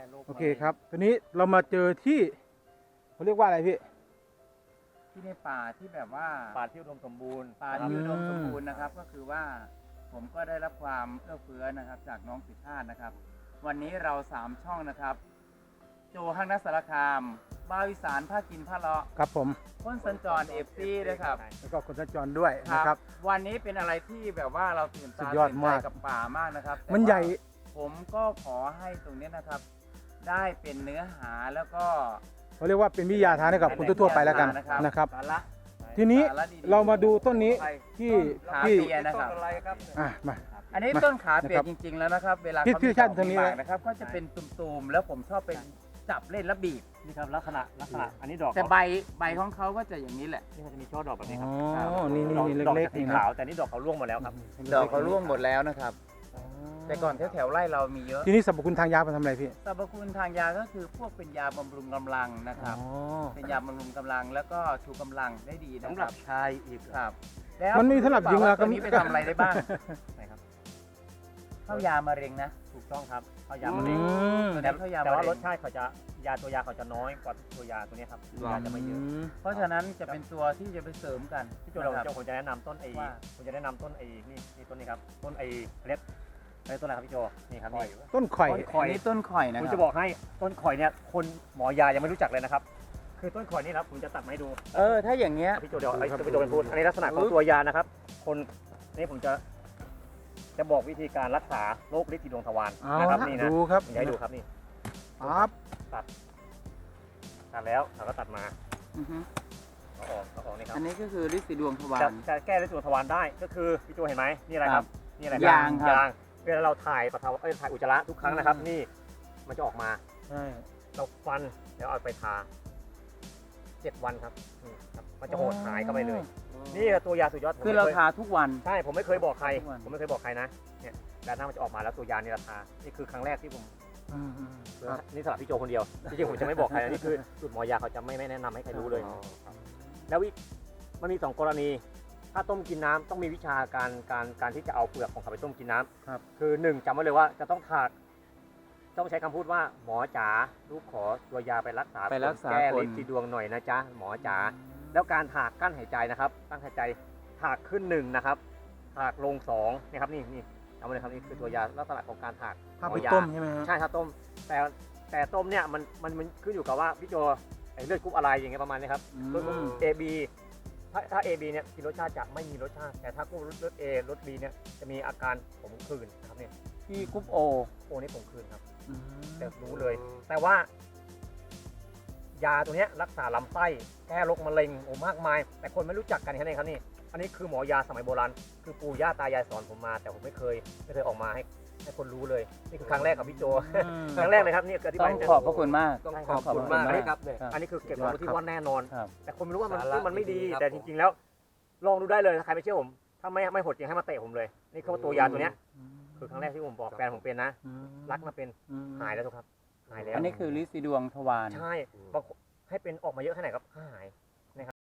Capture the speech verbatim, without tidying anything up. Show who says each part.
Speaker 1: โรค
Speaker 2: โอเคครับทีนี้เรามาเจอที่เขาเรียกว่าอะไรพี่
Speaker 3: ที่ในป่าที่แบบว่า
Speaker 1: ป่าที่อุดมสมบูรณ์
Speaker 3: ป่าที่อุดมสมบูรณ์นะครับ ก็คือว่าผมก็ได้รับความเอื้อเฟื้อนะครับ จากน้องสิทธานะครับ วันนี้เราสามช่องนะครับ โจฮังนักสารคามบ้าวิสานผ้ากินผ้าเลาะ
Speaker 2: ครับผม
Speaker 3: พ้นสัญจรเอฟซีด้วยครับ
Speaker 2: แล้วก็คนสัญจรด้วยนะครับ
Speaker 3: วันนี้เป็นอะไรที่แบบว่าเราตื่น
Speaker 2: สุ
Speaker 3: ตา
Speaker 2: ดยอด
Speaker 3: ตื่นใจ
Speaker 2: มาก
Speaker 3: กับป่ามากนะครับแต่
Speaker 2: มันใหญ่
Speaker 3: ว่าผมก็ขอให้ตรงนี้นะครับ ได้เป็นเนื้อหาแล้วก็
Speaker 2: เขาเรียกว่าเป็นวิทยาทานให้กับคนทั่วๆไปแล้วกันนะครับ
Speaker 3: สาระ
Speaker 2: ทีนี้
Speaker 3: สาระดีๆ
Speaker 2: เรามาดูต้นนี้
Speaker 3: ไป
Speaker 2: ที่
Speaker 3: ต้นขา
Speaker 2: ที่
Speaker 3: เปียนะครับ
Speaker 1: อะไรครับ
Speaker 2: อ่ะมา
Speaker 3: อันนี้
Speaker 2: มา
Speaker 3: ต้นขาเปีย
Speaker 2: นะครับ
Speaker 3: จริง ๆ แล้วนะครับ เวลา
Speaker 2: พี่
Speaker 3: เขา
Speaker 2: พี่
Speaker 3: มี
Speaker 2: ชาติ
Speaker 3: ดอก
Speaker 2: ทางนี้
Speaker 3: มีหมากนะครับ ก็จะเป็นตุ่มๆแล้วผมชอบเป็นจับเล่นแล้วบีบ
Speaker 1: นี่ครับลักษณะลักษณะอันนี้ดอก
Speaker 3: แต่ใบใบของเขาก็จะอย่างนี้แหละ
Speaker 1: นี่มันจะมีช่อดอกแบบนี้ค
Speaker 2: อ๋
Speaker 1: รั
Speaker 2: อ นี่นี่นี่
Speaker 1: ดอก
Speaker 2: เล็ก
Speaker 1: จะ
Speaker 2: ๆ
Speaker 1: สี
Speaker 2: นี่นะ
Speaker 1: ขาวแต่นี่ดอกเขาร่วงหมดแล้วครับ
Speaker 3: ดอกเขาร่วงหมดแล้วนะครับ แต่ก่อนแถวๆไร่เรามีเยอะ
Speaker 2: ทีนี้สรรพคุณทางยาเป็นทำอะไรพี่
Speaker 3: สรรพคุณทางยาก็คือพวกเป็นยาบำรุงกำลังนะครับ
Speaker 2: อ๋อ
Speaker 3: เป็นยาบำรุงกำลังแล้วก็ชูกำลังได้ดีนะ
Speaker 1: สำห
Speaker 3: ค
Speaker 1: รั
Speaker 3: รั
Speaker 1: บบ ชายอีก
Speaker 3: ครับแล้ว
Speaker 2: มันมีสำหรับหญิงเหรอ
Speaker 3: ตัวนี้ไปทำอะไรได้บ้าง
Speaker 1: ไหนครับ
Speaker 3: เข้ายามะเร็งนะ
Speaker 1: ถูกต้องครับเอายา
Speaker 3: อื
Speaker 1: มะเร็ง
Speaker 2: ม
Speaker 3: ตัว
Speaker 1: แต่
Speaker 3: นี้เข้ายามะ
Speaker 1: แต่ว่าร
Speaker 3: เร็
Speaker 1: ส
Speaker 3: ง
Speaker 1: ชาติเขาจะยาตัวยาเขาจะน้อยกว่าตัวยาตัวนี้ครับตัวยาจะไม่เยอะ
Speaker 3: เพราะฉะนั้นจะเป็นตัวที่จะไปเสริมกัน
Speaker 1: พี่โจเรา
Speaker 3: นะครับ
Speaker 1: เจ้าผมจะแนะนำต้นไอ้
Speaker 3: ว่า
Speaker 1: ผมจะแนะนำต้นไอ้นี่นี่ต้นนี้ครับต้นไอ้เล็บไอ้ต้นอะไรครับพี่โจนี่ครับนี่
Speaker 2: ต้นข่อย
Speaker 1: ต้นข่อย
Speaker 3: อันนี้ต้นข่อยนะ
Speaker 1: ผม
Speaker 3: ครั
Speaker 1: จะบอกให้ต้นข่อยเนี่ยคนหมอยายังไม่รู้จักเลยนะครับ คือต้นข่อยนี่นะครับผมจะตัดมาให้ดู
Speaker 3: เออถ้าอย่างเงี้ย
Speaker 1: พี่โจเดี๋ยวไอ้
Speaker 2: ครับ
Speaker 1: พี่โจเป็นพูดอันนี้ลักษณะของตัวยานะครับ คนนี่ผมจะจะบอกวิธีการรักษาโรคฤทธิ์สีดวงทวาร
Speaker 2: เอา
Speaker 1: นะครับ
Speaker 2: ละ
Speaker 1: นี่นะ
Speaker 2: ดูครับ
Speaker 1: ผมจะให้ดูครับนี่
Speaker 2: ครับ
Speaker 1: ตัดแล้วเราก็ตัดมา
Speaker 3: อือฮึ
Speaker 1: เอาออกเอาออกนี่ครับ
Speaker 3: อันนี้ก็คือฤทธิ์สีดวงทวา
Speaker 1: จะ
Speaker 3: ร
Speaker 1: จะแก้ฤทธิ์สีดวงทวารได้ก็คือพี่โจเห็นไหมนี่อะไรครับ นี่อะไร
Speaker 3: ยางครับ
Speaker 1: ยางเวลาเราถ่ายปัสสาวะเอ้ยถ่ายอุจจาระทุกครั้งนะครับ นี่มันจะออกมา
Speaker 2: ใช่
Speaker 1: เราฟันแล้วเอาไปทาเจ็ดวันครับนี่ครับมันจะโหดหายเข้าไปเลย นี่ตัวยาสุดยอดผม
Speaker 3: คือเรา
Speaker 1: ไม่ย
Speaker 3: ทาทุกวัน
Speaker 1: ใช่ผมไม่เคยบอกใคร
Speaker 3: ทุกวัน
Speaker 1: ผมไม่เคยบอกใครนะเนี่ยด้านหน้ามันจะออกมาแล้วตัวยานี่ราคานี่คือครั้งแรกที่ผม
Speaker 2: อืมครับ
Speaker 1: นี่สำหรับพี่โจคนเดียวจริงๆผมจะไม่บอกใครนะนี่คือสูตรหมอยาเขาจะไม่ไม่แนะนำให้ใครรู้เลย แล้ววิมันมีสองกรณี ถ้าต้มกินน้ำต้องมีวิชาการการการที่จะเอาเปลือกของเขาไปต้มกินน้ำ
Speaker 2: ครับ
Speaker 1: คือหนึ่งจำไว้เลยว่าจะต้องถากต้องใช้คำพูดว่าหมอจ๋าลูกขอตัวยาไปรักษา
Speaker 3: ไปรักษา
Speaker 1: แก้
Speaker 3: คน
Speaker 1: ฤทธิ์สีดวงหน่อยนะจ๊ะหมอจ๋าแล้วการถากกั้นหายใจนะครับตั้งหายใจถากขึ้นหนึ่งนะครับถากลงสองนี่ครับนี่นี่จำไว้เลยครับนี่คือตัวยาลักษณะของการถาก
Speaker 2: ถ้าไป
Speaker 1: หอยา
Speaker 2: ต้มใช่ไหมฮะ
Speaker 1: ใช่ถ้าต้มแต่แต่ต้มเนี่ยมันมันมันขึ้นอยู่กับว่าพี่โจไอ้เลือดกรุ๊ปอะไรอย่างเงี้ยประมาณนี้ครับ
Speaker 3: อื
Speaker 1: รส
Speaker 3: ม
Speaker 1: เอบีถ้าถ้า เอ บี เนี่ยกินรสชาติจะไม่มีรสชาติ แต่ถ้ากรุ๊ปรส A รส B เนี่ยจะมีอาการขมขื่นนะครับเนี่ย
Speaker 3: ที่กรุ๊ปโอ
Speaker 1: โอ้นี่ขมขื่นครับ
Speaker 3: อืม
Speaker 1: แต่รู้เลย แต่ว่า ยาตัวเนี้ยรักษาลำไส้แก้โรคมะเร็งโอ้มากมาย แต่คนไม่รู้จักกันแค่นี้ครับนี่อันนี้คือหมอยาสมัยโบราณคือปู่ย่าตายายสอนผมมา แต่ผมไม่เคยไม่เคยออกมาให้ให้คนรู้เลยนี่คือครั้งแรกกับพี่โจ
Speaker 2: อืม
Speaker 1: ครั้งแรกเลยครับนี่คืออธิ
Speaker 3: ต้
Speaker 1: บา
Speaker 3: อย ง
Speaker 1: ให้
Speaker 3: ขอบพระคุณมาก
Speaker 1: ต้อง
Speaker 3: ใช่
Speaker 1: ขอบคุณมากนะครับเนี่ย
Speaker 3: ครับ
Speaker 1: อันนี้คือเก็บความรู้ที่ว่าแน่นอน
Speaker 3: ครับ
Speaker 1: แต่คนไม่รู้ว่ามัน
Speaker 4: สาระ
Speaker 1: มันไม่ดี
Speaker 4: ดีๆครับ
Speaker 1: แต่จริงๆแล้ว ลองดูได้เลยถ้าใครไม่เชื่อผม ถ้าไม่ไม่หดจริงให้มาเตะผมเลย นี่คือตัวยาตัวเนี้ยคือครั้งแรกที่ผมบอกแฟนผมเป็นนะ
Speaker 2: อืม
Speaker 1: รักมาเป็นหายแล้วทุกครับ หายแล้ว
Speaker 3: อันนี้คือฤทธิ์สีดวงทวาร
Speaker 1: ใช่บางคนให้เป็นออกมาเยอะแค่ไหนครับหาย